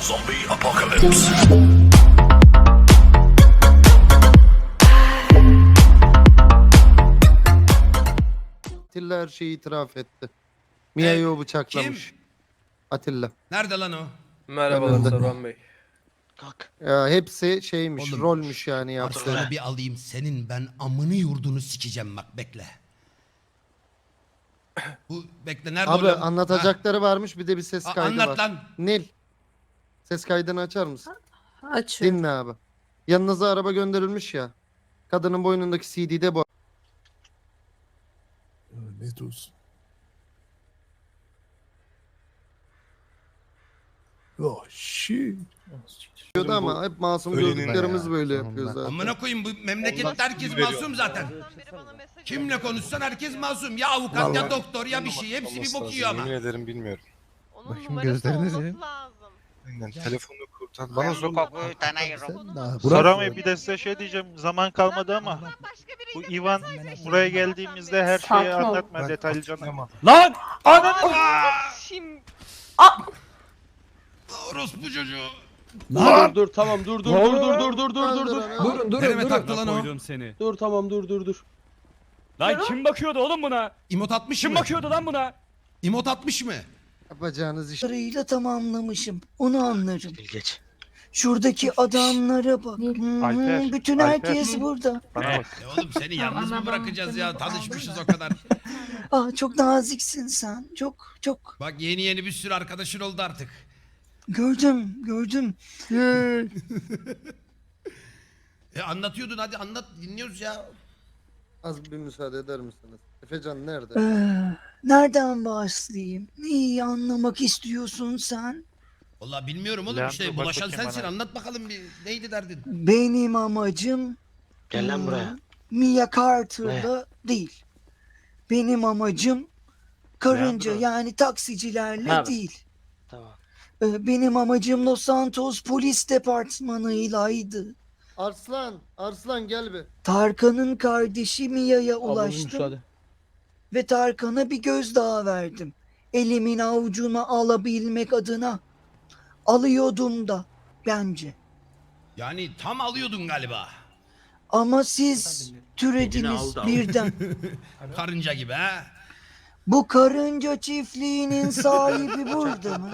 Zombie apocalypse. Atilla her şeyi itiraf etti. Mia'yı o bıçaklamış. Kim? Atilla. Nerede lan o? Merhabalar Önünde. Saruhan Bey. Ya hepsi şeymiş, Oğlum, rolmüş yani yaptı. Arslan'ı bir alayım. Senin ben amını yurdunu sikeceğim bak bekle. Bu bekle nerede Abi oğlum? anlatacakları varmış, bir de bir ses Ha, kaydı var. anlat lan. Nil. Ses kaydını açar mısın? Açıyorum. Dinle abi. Yanınıza araba gönderilmiş ya. Kadının boynundaki CD'de bu. Ne diyorsun? Oh shit. Diyordu ama hep masum Ölenin gördüklerimiz ya, böyle sonunda. yapıyor zaten. Amına koyayım bu memlekette herkes masum zaten. Kimle konuşsan herkes masum. Ya avukat ya doktor ya bir şey. Hepsi bir bok yiyor ama. Yemin ederim bilmiyorum. Onun Bakayım numarası gözlerinize. olması lazım. Aynen telefonunu kurtar. Bana sokak. Saramay bir de size şey diyeceğim. Zaman kalmadı ama Başka bu biriyle Ivan konuşsaydı buraya şimdi geldiğimizde her şeyi Sakin ol. anlatma detaylıca. Lan! Şimdi Orospu çocuğu. Dur tamam dur. Nereme taktı lan o? Dur tamam dur. Lan kim bakıyordu oğlum buna? İmot atmış Kim mı? bakıyordu lan buna? İmot atmış mı? Yapacağınız iş. Parayla tamamlamışım. Onu anlarım. Geç. Şuradaki adamlara bak. Alper, Bütün Alper. herkes burada. Bana bak. Oğlum seni yalnız mı bırakacağız ya? Tanışmışız o kadar. Çok naziksin sen. Çok. Bak yeni bir sürü arkadaşın oldu artık. Gördüm. Anlatıyordun hadi anlat dinliyoruz ya. Az bir müsaade eder misiniz? Efecan nerede? Nereden başlayayım? Neyi anlamak istiyorsun sen? Vallahi bilmiyorum oğlum Leandro, işte bak bulaşan bakayım sensin bana. anlat bakalım bir neydi derdin? Benim amacım... Gel lan buraya. Mia Carter'la değil. Benim amacım karınca Leandro. yani taksicilerle Ha. değil. Tamam. Benim amacım Los Santos Polis Departmanı'ylaydı. Arslan gel bir. Tarkan'ın kardeşi Mia'ya ulaştım ve Tarkan'a bir gözdağı verdim. Elimin avucuna alabilmek adına. Alıyordum da bence. Yani tam alıyordun galiba. Ama siz türediniz birden. Karınca gibi ha. Bu karınca çiftliğinin sahibi burada mı?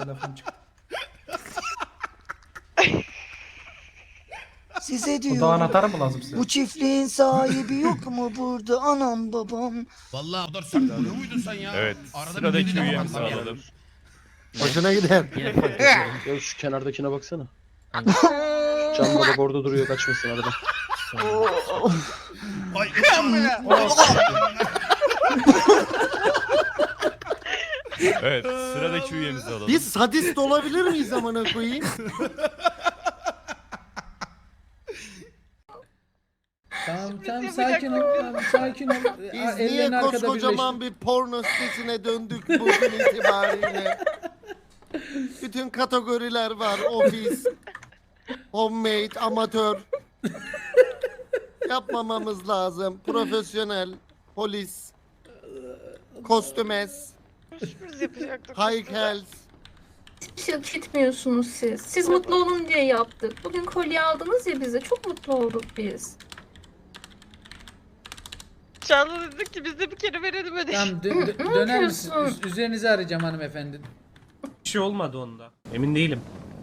Size diyorum. mı lazım size? Bu çiftliğin sahibi yok mu burada? Anam babam. Vallahi o kadar sert vuruyor muydun sen ya? Evet, Arada bir sıradaki dediğine üyemizi bakalım ya. alalım. Hoşuna gider. Ya şu kenardakine baksana. Camda da bordo duruyor kaçmasın arada. Ay, Evet, sıradaki üyemizi alalım. Biz sadist olabilir miyiz amına koyayım? Tamam sakin ol. Sakin ol. Biz niye koskocaman bir porno sitesine döndük bugün itibariyle? Bütün kategoriler var. Ofis, homemade, amatör. Yapmamamız lazım. Profesyonel, polis, kostümes, Biz yapacaktık. high health. Hiç hak etmiyorsunuz siz. Siz mutlu olun diye yaptık. Bugün kolye aldınız ya bize. Çok mutlu olduk biz. Çağla dedik ki biz de bir kere verelim ödeşi. Tamam Ne döner misiniz? yapıyorsun? Üzerinizi arayacağım hanımefendi. Bir şey olmadı onda. Emin değilim.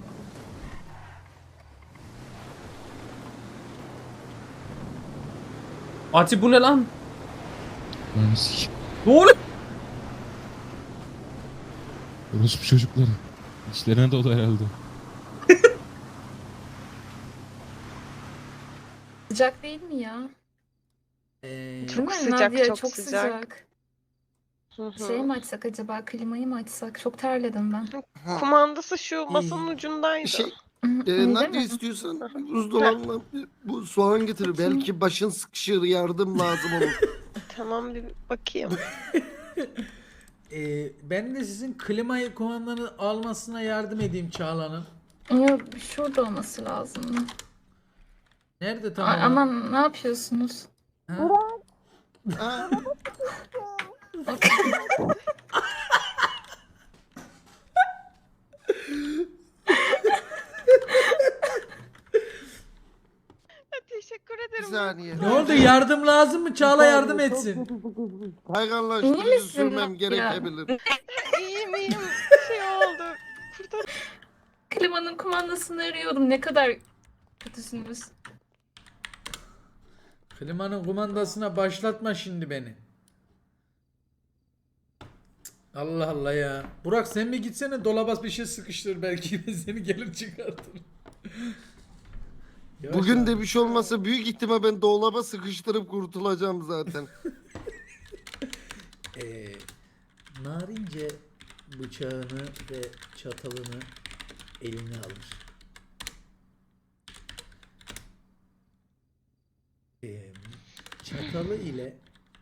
Ati bu ne lan? Ne oluyor? Orospu çocukları. İşlerine dolu herhalde. Sıcak değil mi ya? Çok Değil mi? sıcak, Nadia, çok çok sıcak. sıcak. Hı hı. Şey mi açsak acaba? Klimayı mı açsak? Çok terledim ben. Kumandası şu masanın ucundaydı. Şey, Öyle ne mi? istiyorsan buzdolabına bu soğan getir. Belki başın sıkışır, yardım lazım olur. Tamam bir bakayım. Ben de sizin klimayı kumandanı almasına yardım edeyim Çağla'nın. Yok, şurada olması lazım. Nerede tamam? Aman ne yapıyorsunuz? Ha? Ha? saniye. Ne oldu, yardım lazım mı? Çağla yardım etsin. İyi Hayvanlaştırıcı misin sürmem ya? gerekebilir. İyiyim iyiyim. Şey oldu. Kurtar. Klimanın kumandasını arıyorum. Ne kadar kötüsünüz. Klimanın kumandasına başlatma şimdi beni. Allah Allah ya. Burak sen mi gitsene, dolaba bir şey sıkıştır, belki seni gelir çıkartır. Yavaş Bugün yavaş. de bir şey olmasa büyük ihtimal ben dolaba sıkıştırıp kurtulacağım zaten. Narince bıçağını ve çatalını eline alır. Çatalı ile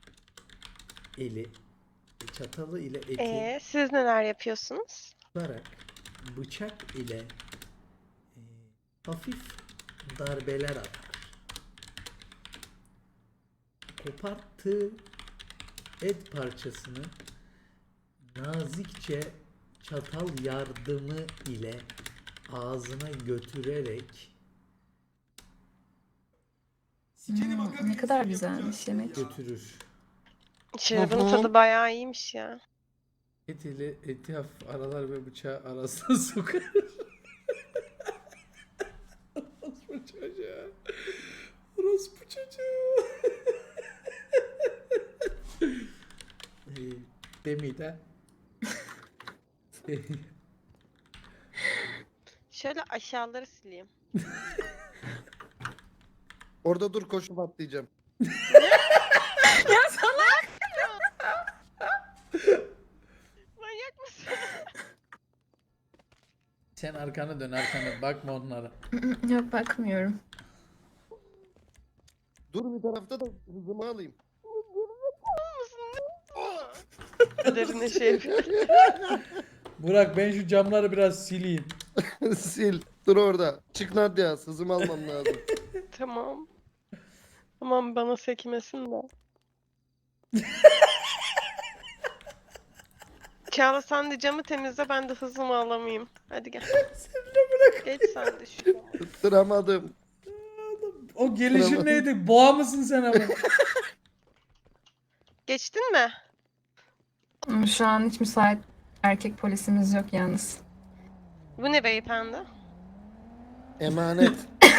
eti Siz neler yapıyorsunuz? tutarak bıçak ile hafif darbeler atar. Koparttığı et parçasını nazikçe çatal yardımı ile ağzına götürerek Ne kadar güzelmiş yemek. götürür. Şarabın tadı bayağı iyiymiş ya. Et ile eti hafif aralar ve bıçağı arasına sokar. Orospu çocuğu. Orospu çocuğu. Demide. Şöyle aşağıları sileyim. Orada dur, koşup atlayacağım. Manyak mısın? Sen arkanı dön, arkanı bakma onlara. Yok, bakmıyorum. Dur bir tarafta da hızımı alayım. Kaderine şey yapıyor. Burak ben şu camları biraz sileyim. Sil. Dur orada. Çık Nadia. Hızımı almam lazım. Tamam. Tamam bana sekmesin de. Çağla sen de camı temizle, ben de hızımı alamayayım. Hadi gel. Geç sen de şu. Tutturamadım. O gelişin neydi? Boğa mısın sen ama? Geçtin mi? Şu an hiç müsait erkek polisimiz yok yalnız. Bu ne beyefendi? Emanet.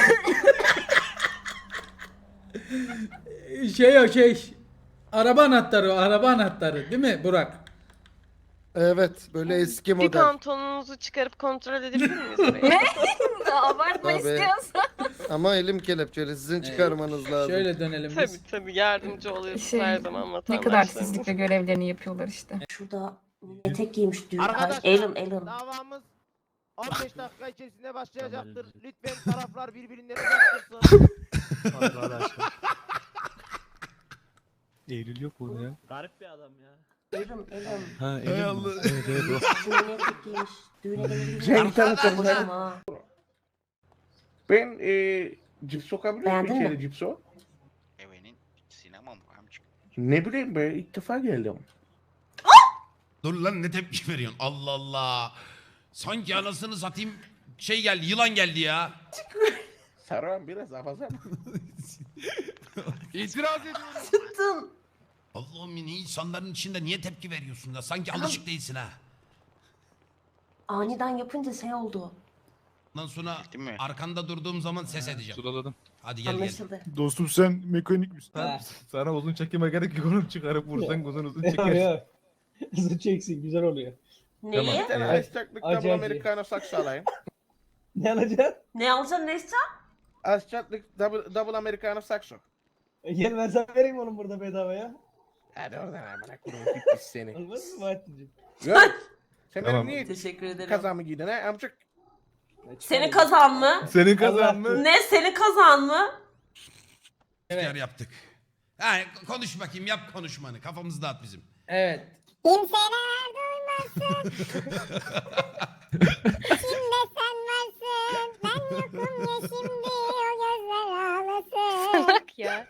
Araba anahtarı, o araba anahtarı değil mi Burak? Evet. Böyle eski Bir model. pantolonunuzu çıkarıp kontrol edebilir miyiz orayı? Ne? Abartma Tabii. istiyorsan. Ama elim kelepçeli. Sizin çıkarmanız lazım. Şöyle dönelim biz. Tabii yardımcı oluyoruz her zaman Ne vatandaşlarımız. kadar titizlikle görevlerini yapıyorlar işte. Şurada etek giymiş düğün. Arkadaşlar, Elin. davamız 15 dakika içerisinde başlayacaktır. Lütfen taraflar birbirinden uzak dursun. Eylül yok burada ya. Garip bir adam ya. Elin. Ha Hay Eylül. Allah. Evet evet o. Düğüne etek giymiş. Düğüne gelebilir Renk tanıtımlar. Ama Ben cips sokabilir Beğendin miyim mi? içeri cipso? Evenin sinemam amcık. Ne bileyim be, ilk defa geldim. Dur lan, ne tepki veriyorsun? Allah Allah. Sanki anasını satayım şey geldi, yılan geldi ya. Saran biraz afaza. İtiraz ediyorum. Tuttum. Allah'ım, yine insanların içinde niye tepki veriyorsun da? Sanki alışık değilsin ha. Aniden yapınca şey oldu. Ondan sonra Değil mi? arkanda durduğum zaman ses edeceğim. Sulaladım. Hadi gel gel. Anlaşıldı. Dostum sen mekanik misin? Sana uzun çekime gerek yok oğlum, çıkarıp vursan uzun çeker. Hızlı çeksin, güzel oluyor. Neyi? Bir tane ice double americano saksı alayım. Ne alacaksın? Ne alacaksın, ne istiyorsun? Ice double americano saksı. Gel ben sana vereyim onu burada bedava ya. Hadi oradan amına koyayım, pis seni. Olmaz mı Bahattin'cim? Yok. Sen Tamam. benim niye Teşekkür ederim. kazamı giydin ha amcık? Senin kazan mı? Senin kazan mı? Ne, senin kazan mı? İhtiyar yaptık. Ha, konuş bakayım, yap konuşmanı. Kafamızı dağıt bizim. Evet. Kimseler duymasın. Şimdi sen varsın. Ben yokum ya şimdi o gözler ağlasın. Bak ya.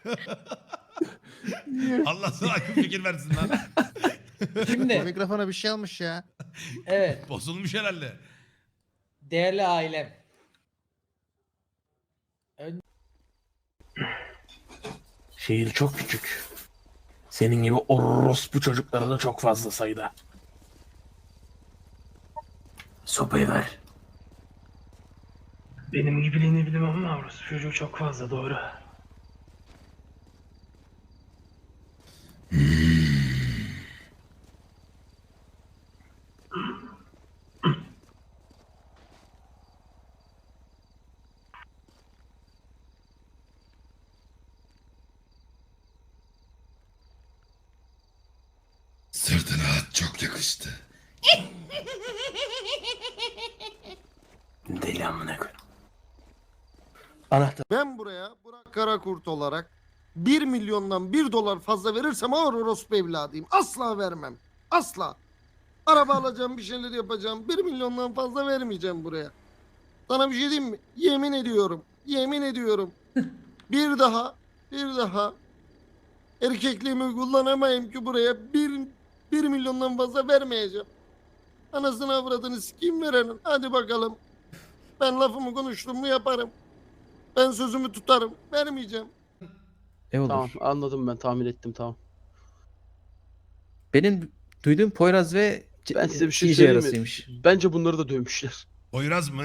Allah sana akıl fikir versin lan. Şimdi Mikrofona bir şey almış ya. evet, Bozulmuş herhalde. değerli ailem. Şehir çok küçük. Senin gibi orospu çocukları da çok fazla sayıda. Sopayı ver. Benim gibiliğini bilemem ama orospu çocuğu çok fazla, doğru. Sırtına at çok yakıştı. Deli amına koy. Anahtar. Ben buraya Burak Karakurt olarak 1 milyondan 1 dolar fazla verirsem ağır orospu evladıyım. Asla vermem. Asla. Araba alacağım, bir şeyler yapacağım. 1 milyondan fazla vermeyeceğim buraya. Sana bir şey diyeyim mi? Yemin ediyorum. Yemin ediyorum. Bir daha erkekliğimi kullanamayayım ki buraya 1 milyondan fazla vermeyeceğim. Anasını avradını sikeyim verenin. Hadi bakalım. Ben lafımı konuştum mu yaparım. Ben sözümü tutarım. Vermeyeceğim. Tamam anladım, ben tahmin ettim, tamam. Benim duyduğum Poyraz ve Ben size bir şey söyleyeyim mi? Bence bunları da dövmüşler. Poyraz mı?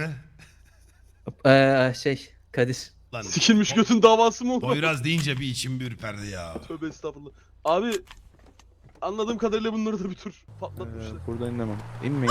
Kadir. Lan Sikilmiş götün davası mı oldu? Poyraz deyince bir içim bir ürperdi ya. Tövbe estağfurullah. Abi anladığım kadarıyla bunları da bir tür patlatmışlar. Buradan inemem. İnmeyin.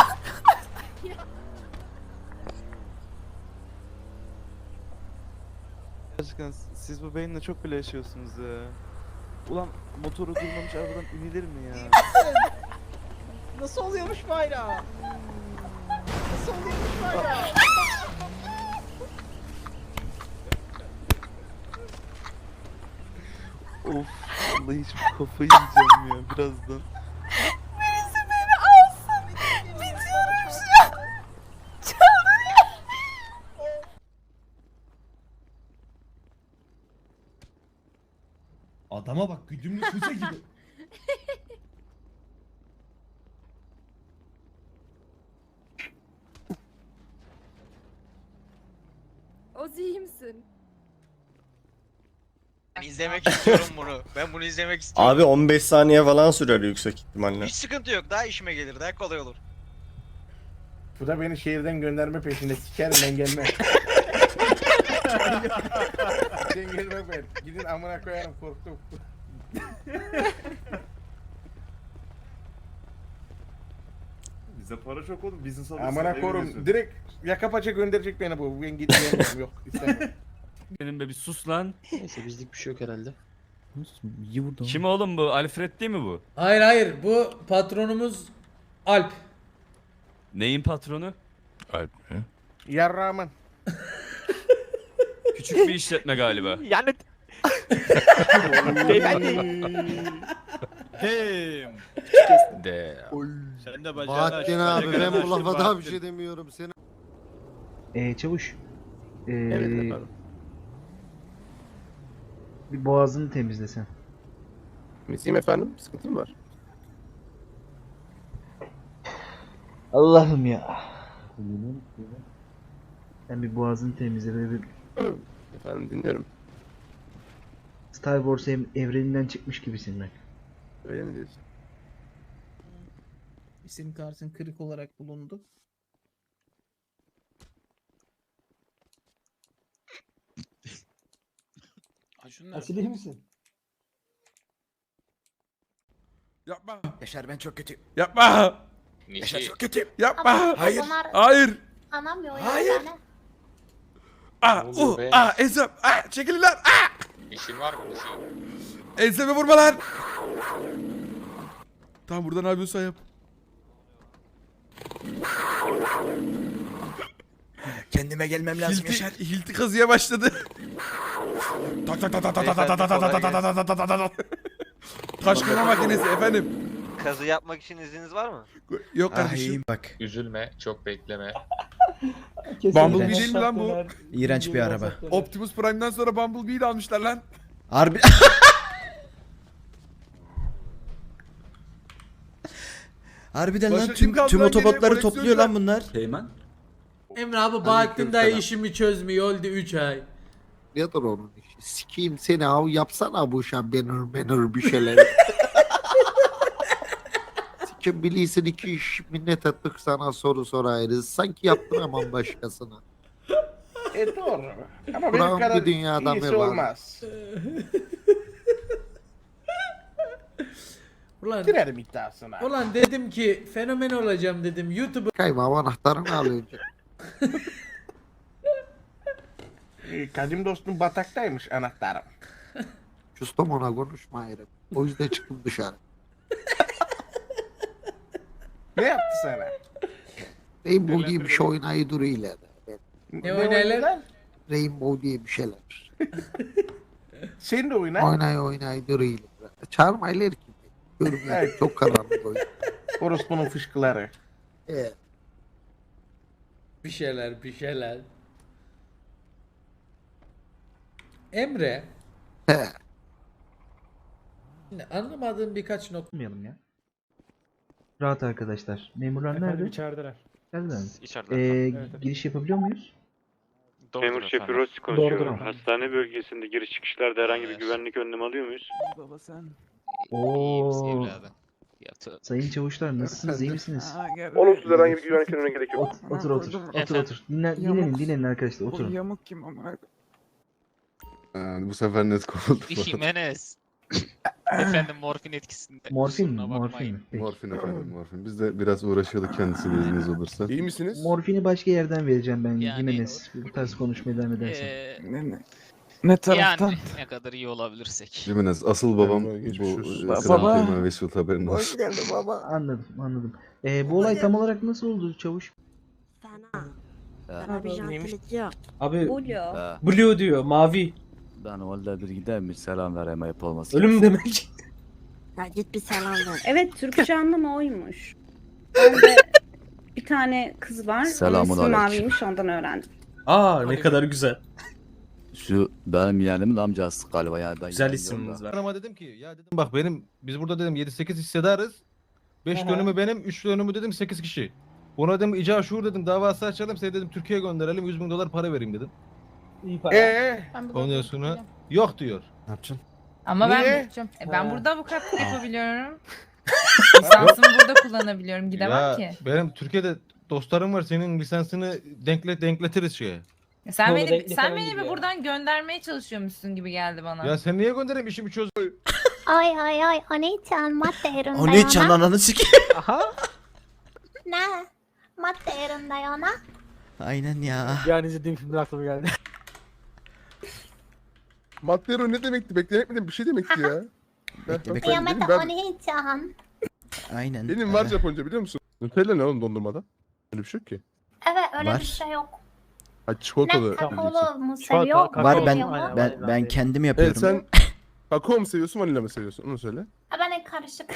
Gerçekten siz bu beyinle çok bile yaşıyorsunuz ya. Ulan motoru durmamış arabadan inilir mi ya? Nasıl oluyormuş bayrağı? Nasıl oluyormuş bayrağı? Of, vallahi hiç kafayı yiyeceğim ya birazdan. Birisi beni alsın. Bitiyorum şu an. Adama bak güdümlü füze gibi. Ozi iyi misin? Ben izlemek istiyorum bunu. Ben bunu izlemek istiyorum. Abi 15 saniye falan sürer yüksek ihtimalle. Hiç sıkıntı yok. Daha işime gelir. Daha kolay olur. Bu da beni şehirden gönderme peşinde, sikerim ben gelmem. Sen gelme ben. Gidin amına koyarım, korktum. Bize para çok oğlum. Business Amına korum. Direkt yaka paça gönderecek beni bu. Ben gideceğim yok. İstemem. Benim be bir sus lan. Neyse bizlik bir şey yok herhalde. İyi vurdu. Kim oğlum bu? Alfred değil mi bu? Hayır bu patronumuz Alp. Neyin patronu? Alp mi? Yarrağımın. Küçük bir işletme galiba. Yani De. sen de Bahattin abi ben bu lafa daha bir şey demiyorum. Seni Çavuş. Evet efendim. Bir boğazını temizlesen. Temizleyeyim efendim. Sıkıntım var. Allah'ım ya. Sen bir boğazını temizle ve bir Efendim dinliyorum. Star Wars evreninden çıkmış gibisin bak. Öyle mi diyorsun? İsim kartın kırık olarak bulundu. Asil iyi misin? Yapma. Yaşar ben çok kötüyüm. Yapma. Yaşar çok kötüyüm. Yapma. Hayır. Hayır. Anlamıyor ya. Hayır. Yani. Ensem. Çekilin lan. İşin var mı? Enseme vurma lan. Tamam burada ne yapıyorsan yap. Kendime gelmem lazım Yaşar. Hilti kazıya başladı. Tak tak tak tak tak tak tak tak tak tak tak tak tak tak tak. Taş kırma makinesi efendim. Kazı yapmak için izniniz var mı? Yok kardeşim. Bak. Üzülme. Çok bekleme. Bumblebee değil mi lan bu? İğrenç bir araba. Optimus Prime'dan sonra Bumblebee'yi de almışlar lan. Harbi. Harbiden Başka kim kaldı tüm lan otobotları geriye? topluyor lan bunlar. Emre abi Bahattin dayı Aleykümselam. işimi çözmüyor oldu 3 ay. Nedir onun işi? Sikeyim seni av yapsana bu şambenur bir şeyler. Sikim bilirsin iki iş minnet ettik sana soru sorarız. Sanki yaptıramam başkasına. Doğru. Ama Buram bir dünyada mı var? olmaz. Ulan, Girerim iddiasına. ulan dedim ki fenomen olacağım dedim. YouTube'u Kaymağım anahtarını al önce. Kadim dostum bataktaymış anahtarım. Custom ona konuşma ayrı. O yüzden çıktım dışarı. Ne yaptı sana? Rainbow diye bir şey oynayı duruyor ileride. Ne oynaylar? Rainbow diye bir şeyler. Sen de oyna. Oynayı duruyor ileride. Çağırmaylar ki. Görmüyorum. Çok karanlık oyun. Orospunun fışkıları. Bir şeyler. Emre. He. Şimdi anlamadığım birkaç nokta. Ya. Rahat arkadaşlar. Memurlar nerede? içerideler. Geldiler mi? İçeride. Giriş yapabiliyor muyuz? Memur şefi Rossi konuşuyor. Hastane bölgesinde giriş çıkışlarda herhangi bir güvenlik önlemi alıyor muyuz? Baba sen. Oo. Sayın çavuşlar nasılsınız? İyi misiniz? Olumsuz herhangi bir güvenlik önlemine gerek yok. Otur. Dinlenin arkadaşlar. Oturun. Yamuk kim ama? Bu sefer net kovuldu. Jimenez. Efendim morfin etkisinde. Morfin mi? Peki. Morfin efendim morfin. Biz de biraz uğraşıyorduk kendisiyle izniniz olursa. İyi misiniz? Morfini başka yerden vereceğim ben. Yani- Jimenez. Bu tarz konuşmaya devam edersen. Ne taraftan? Yani ne kadar iyi olabilirsek. Jimenez asıl babam bu Baba. Kral Kıyma Vesut haberin olsun. Hoş geldin baba. Anladım. Bu olay tam olarak nasıl oldu çavuş? Abi Blue diyor mavi. Ben orada bir gider mi selam vereyim ayıp olmasın. Ölüm demek. Ya git bir selam ver. Evet, Türkçe anlamı oymuş. Ben de bir tane kız var. Selamun Onun ismi aleyküm. Mavi'ymiş, ondan öğrendim. Aa ne kadar güzel. Şu benim yeğenimin amcası galiba yani. Ben Güzel yeğenim isiminiz var. Ama dedim ki ya dedim bak biz burada dedim 7-8 hissedarız. 5 dönümü benim, 3 dönümü dedim 8 kişi. Buna dedim icra şuur dedim davası açalım seni dedim Türkiye'ye gönderelim 100 bin dolar para vereyim dedim. Ondan sonra yok diyor. Ne yapacaksın? Ama Niye? ben bulacağım. Ben burada avukatlık yapabiliyorum. Lisansımı burada kullanabiliyorum. Gidemem Ya ki. benim Türkiye'de dostlarım var senin lisansını denkletiriz şeye. Sen beni bir buradan göndermeye çalışıyormuşsun gibi geldi bana. Ya sen niye göndereyim işimi çöz. Ay Oni-chan madde yerinde Oni-chan ananı sikeyim. Ne? Madde yerinde yana. Aynen ya. Yani izlediğim filmler aklıma geldi. Mattero ne demekti? Beklemek bir şey demekti ya. Oni-chan. Aynen. Benim var Japonca biliyor musun? Nutella ne oğlum dondurmada? Öyle bir şey yok ki. Evet, öyle Var. bir şey yok. Ha çikolatalı. Kakaolu mu seviyor? Var Seviyor mu? ben kendim Evet yapıyorum. sen kakao mu seviyorsun vanilya mı seviyorsun? Onu söyle. Ha, ben karışık.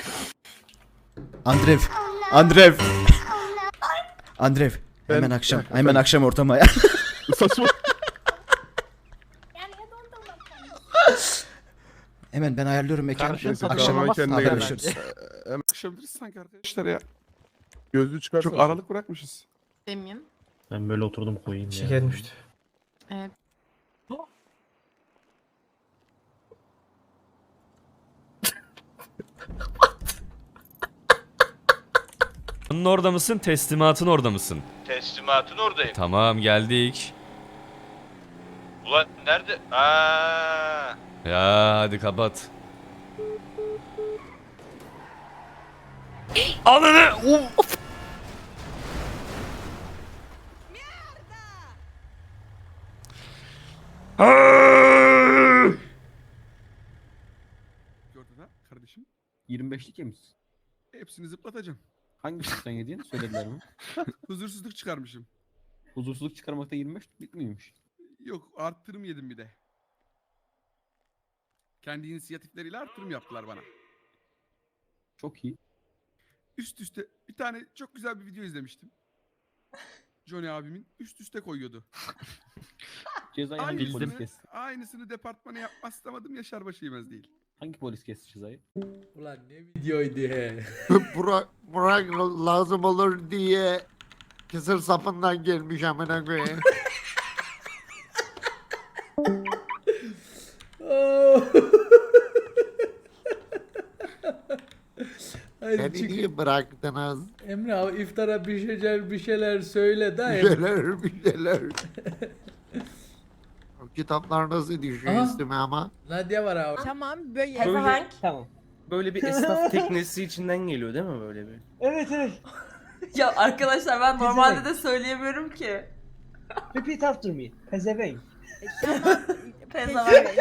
Andrev. Ben- Hemen akşam ortama. Saçma. Yani ya dondurma. Hemen ben ayarlıyorum mekanı. Neyse, Akşama tamam, kendine gel. haberleşiriz. Hemen akşamdırız sanki arkadaşlar ya. Gözlüğü çıkarsana. Çok aralık bırakmışız. Demin. Ben böyle oturdum koyayım ya. Şeker düştü. Evet. Orada mısın? Teslimatın orada mısın? Teslimatın oradayım. Tamam geldik. Ulan nerede? Ya hadi kapat. Ananı! Gördün ha kardeşim? 25'lik yemişsin. Hepsini zıplatacağım. Hangi suçtan yediğini söylediler mi? Huzursuzluk çıkarmışım. Huzursuzluk çıkarmakta 25 bitmiyormuş. Yok arttırım yedim bir de. Kendi inisiyatifleriyle arttırım yaptılar bana. Çok iyi. Üst üste bir tane çok güzel bir video izlemiştim. Johnny abimin üst üste koyuyordu. Cezayı Aynısını departmana yapmaz istemedim Yaşar Başı yemez değil. Hangi polis kesti cezayı? Ulan ne videoydu he. Burak lazım olur diye kısır sapından gelmiş amına koyayım. Hayır, Beni çık. niye bıraktınız? Emre abi iftara bir şeyler söyle da. Bir şeyler. O kitaplar nasıl düşüyor Aha. üstüme ama? Nadia var abi. Tamam böyle. Tamam. Böyle bir esnaf teknesi içinden geliyor değil mi böyle bir? Evet evet. Ya arkadaşlar ben normalde de söyleyemiyorum ki. Repeat after me. Pezevenk. Pezevenk.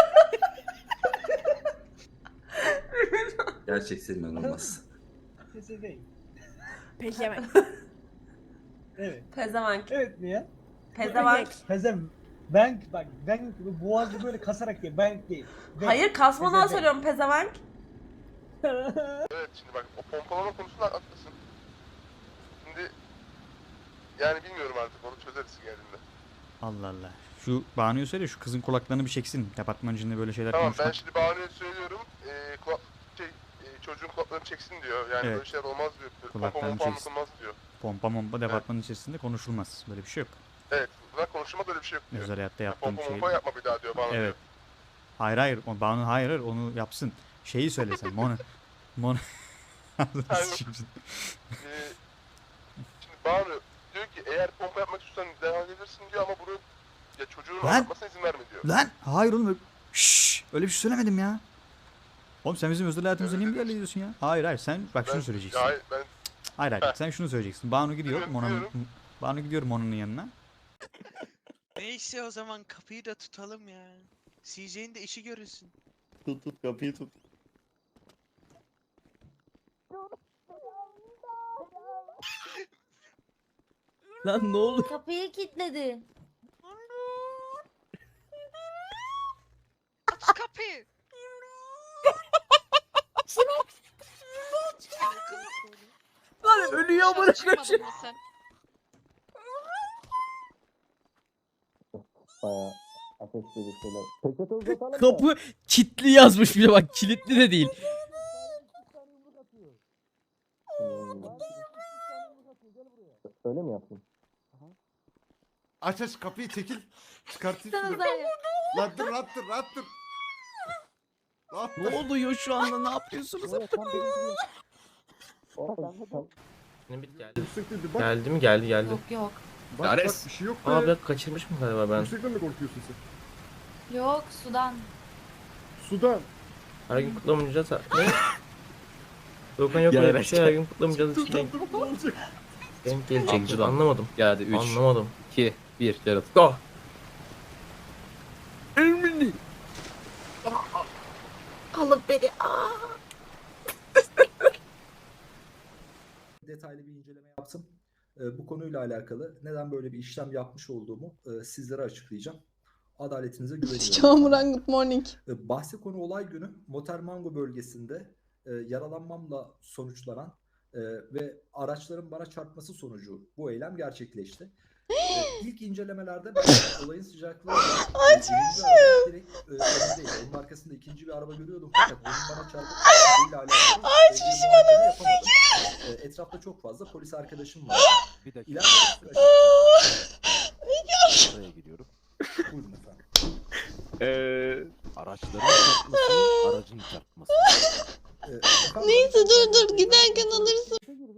Gerçekten inanılmaz. Pezevenk. Pezevenk. Evet. Pezevenk. Evet mi ya? Pezevenk. Pezevenk bak. Bank boğazı böyle kasarak diye. Bank değil. Hayır kasmadan Pezevenk. söylüyorum pezevenk. Evet şimdi bak o pompalama konusunda haklısın. Şimdi yani bilmiyorum artık onu çözeriz geldiğinde. Allah Allah. Şu Banu'yu söyle şu kızın kulaklarını bir çeksin. Departman içinde böyle şeyler Tamam konuşma. ben şimdi Banu'ya söylüyorum. Çocuğun kulaklarını çeksin diyor. Yani Evet. böyle şeyler olmaz diyor. Kulaklarını Pompa çeksin. anlatılmaz diyor. Pompa departmanın içerisinde konuşulmaz. Böyle bir şey yok. Evet. Bunlar konuşulmaz öyle bir şey yok diyor. Özel hayatta yaptığım Pompa şey. pompa yapma bir daha diyor Banu Evet. diyor. Hayır. Banu hayır onu yapsın. Şeyi söyle sen. Mon. Şimdi Banu diyor ki eğer pompa yapmak istiyorsan devam edebilirsin diyor ama bunu ya çocuğun Lan! anlatmasına izin verme diyor. Lan hayır oğlum. Şşş, öyle bir şey söylemedim ya. Oğlum sen bizim özel hayatımıza niye müdahale ediyorsun ya? Hayır sen bak şunu söyleyeceksin. Ya, hayır ben Hayır sen şunu söyleyeceksin. Banu gidiyor Biliyorum. Banu gidiyor Mon'un yanına. neyse o zaman kapıyı da tutalım ya. CJ'nin de işi görülsün. Tut kapıyı tut. Lan ne oldu? Kapıyı kilitledi. Aç kapıyı. Lan ölüyor bu arkadaşım. Kapı kilitli yazmış bile bak kilitli de değil. Öyle mi yaptın? Aç kapıyı çekil. Çıkartayım şunu. Lan dur. Ne oluyor şu anda ne yapıyorsunuz? Geldi mi? Geldi. Yok. Bak bir şey yok be. Abi kaçırmış mı galiba ben? Yüksekten mi korkuyorsun sen? Yok sudan. Sudan. Her gün kutlamayacağız. Ne? Doğukan yok öyle bir şey. Her gün kutlamayacağız. Ne olacak? Denk gelecek. Anlamadım. Geldi 3, Anlamadım. 2, 1. Geralt. Go. Ermeni. Alıp beni. Detaylı bir inceleme yaptım. Bu konuyla alakalı neden böyle bir işlem yapmış olduğumu sizlere açıklayacağım. Adaletinize güveniyorum. Good morning. Bahsi konu olay günü Motermango bölgesinde yaralanmamla sonuçlanan ve araçların bana çarpması sonucu bu eylem gerçekleşti. İlk incelemelerde ben olayın sıcaklığı direkt önündeydi. Onun arkasında ikinci bir araba görüyordum fakat onun bana çarpıp ile alakalı yapamadım. Etrafta çok fazla polis arkadaşım var. Bir dakika. İleride Oraya gidiyorum. buyurun efendim. Araçların çarpması, aracın çarpması. Neyse dur giderken alırsın.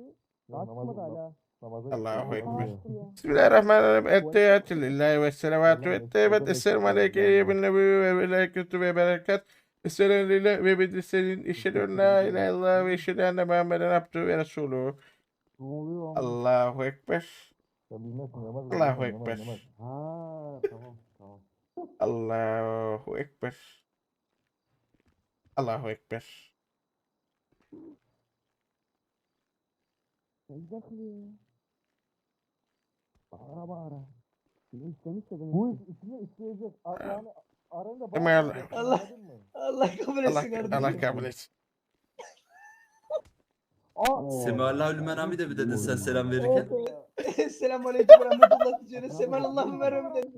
Allahu Ekber. Bismillahirrahmanirrahim. Ettehiyatü lillahi ve selavatü ve teyvet. Esselamu aleyke bin nebi ve melekütü ve berekat. Esselamu aleyke ve bedriselin. İşhedü la ilahe illallah ve işhedü enne Muhammeden abdühü ve resulühü. Allahu Ekber. Allahu Ekber. Allahu Ekber. Allahu Ekber. Allah kabul etsin kardeşim. Allah kabul etsin. Semâlâ lümenâmi de bir dedin sen selam verirken. Selamun aleyküm ve rahmetullah diyeceğine semalallahü ve rahmetullah.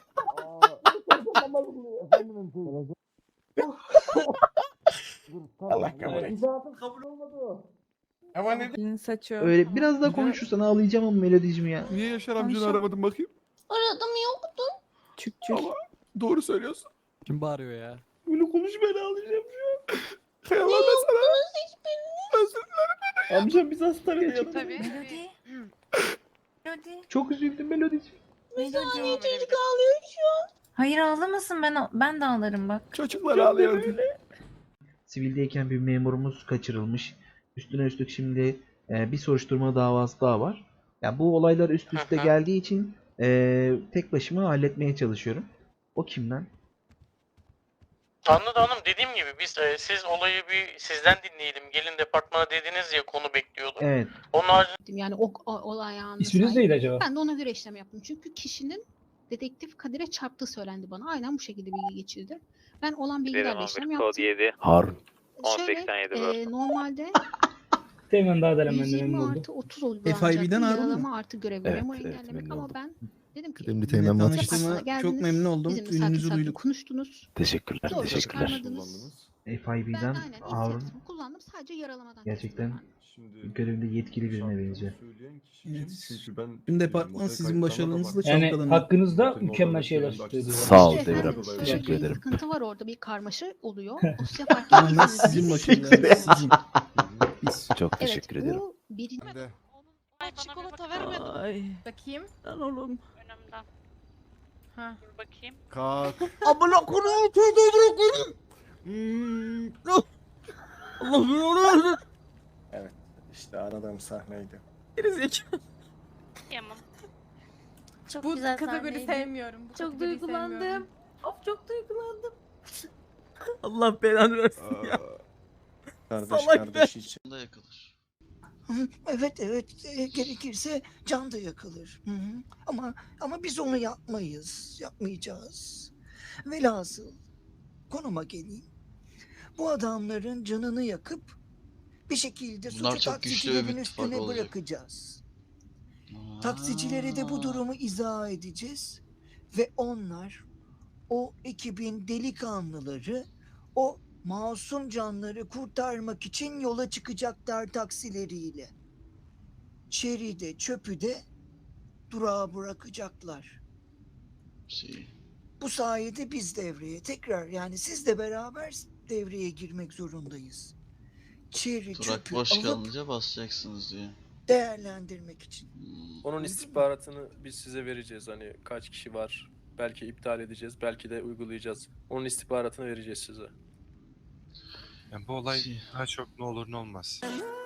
Allah kabul etsin. İzahatın kabul olmadı. Ama ne? Saçı. Öyle biraz daha konuşursan ağlayacağım ama melodicim ya. Niye Yaşar amcanı aramadın bakayım? Aradım yoktu. Çık. Ama doğru söylüyorsun. Kim bağırıyor ya? Böyle konuş ben ağlayacağım şu an. Kıyamam ben sana. Özür dilerim. Amcam biz hastanede yattık. Melody. Melody. Çok üzüldüm Melodi'ciğim. Melody. Çocuk ağlıyor şu an. Hayır ağlamasın, ben de ağlarım bak. Çocuklar ağlıyor. Sivildeyken bir memurumuz kaçırılmış. Üstüne üstlük şimdi bir soruşturma davası daha var. Ya bu olaylar üst üste geldiği için tek başıma halletmeye çalışıyorum. O kimden? Anladım hanım, dediğim gibi biz siz olayı bir sizden dinleyelim. Gelin departmana dediniz ya, konu bekliyorduk. Evet. Onun haricinde Yani o olay anında. İsminiz neydi acaba? Ben de ona göre işlem yaptım. Çünkü kişinin dedektif Kadir'e çarptığı söylendi bana. Aynen bu şekilde bilgi geçirdi. Ben olan bilgilerle işlem yaptım. Harun. Şöyle normalde Hemen daha 120 artı 30 uygulanacaktı. Yaralama artı görevi Evet, memur evet, engellemek memnun ama oldum. ben dedim ki Kıdemli Teğmen Batık. departmana çok memnun oldum. Bizimle sakin Ününüzü sakin duyduk. konuştunuz. Teşekkürler. Zorla Teşekkürler. çıkarmadınız. Ben FIB'den aynen Harun inisiyatifimi kullandım. Sadece yaralamadan gerçekten kestim görevinde yetkili birine benziyor. Tüm departman sizin başarınızla Yani hakkınızda mükemmel şeyler söylüyor. Sağ ol İşte Devrem. efendim, şöyle Teşekkür bir ederim. sıkıntı var orada, bir karmaşa oluyor. Dosya fark ettiyseniz sizin siz- başarılarınız. Çok teşekkür Evet, ederim. bu birinci Ay çikolata vermedim. Ay. Bakayım. Lan oğlum. Önümden. Ha. Dur bakayım. Kalk. Amına koyayım. Allah'ım. Evet. İşte aradığım sahneydi. Gerizekalı. Yamam. Çok Bu güzel kategori sahneydi. sevmiyorum. Bu Çok kategoriyi duygulandım. sevmiyorum. Of çok duygulandım. Allah belanı versin ya. Kardeş Salak kardeş için. Evet gerekirse can da yakılır. Ama biz onu yapmayacağız. Velhasıl konuma geleyim. Bu adamların canını yakıp bir şekilde suçu taksicilerin üstüne bırakacağız. Taksicilere de bu durumu izah edeceğiz ve onlar o ekibin delikanlıları o masum canları kurtarmak için yola çıkacaklar taksileriyle. Çeri de çöpü de durağa bırakacaklar. Bu sayede biz devreye tekrar yani sizle beraber devreye girmek zorundayız. Çeri çöpü alıp basacaksınız diye. değerlendirmek için. Onun istihbaratını biz size vereceğiz. Hani kaç kişi var. Belki iptal edeceğiz. Belki de uygulayacağız. Onun istihbaratını vereceğiz size. Yani bu olay daha çok ne olur ne olmaz.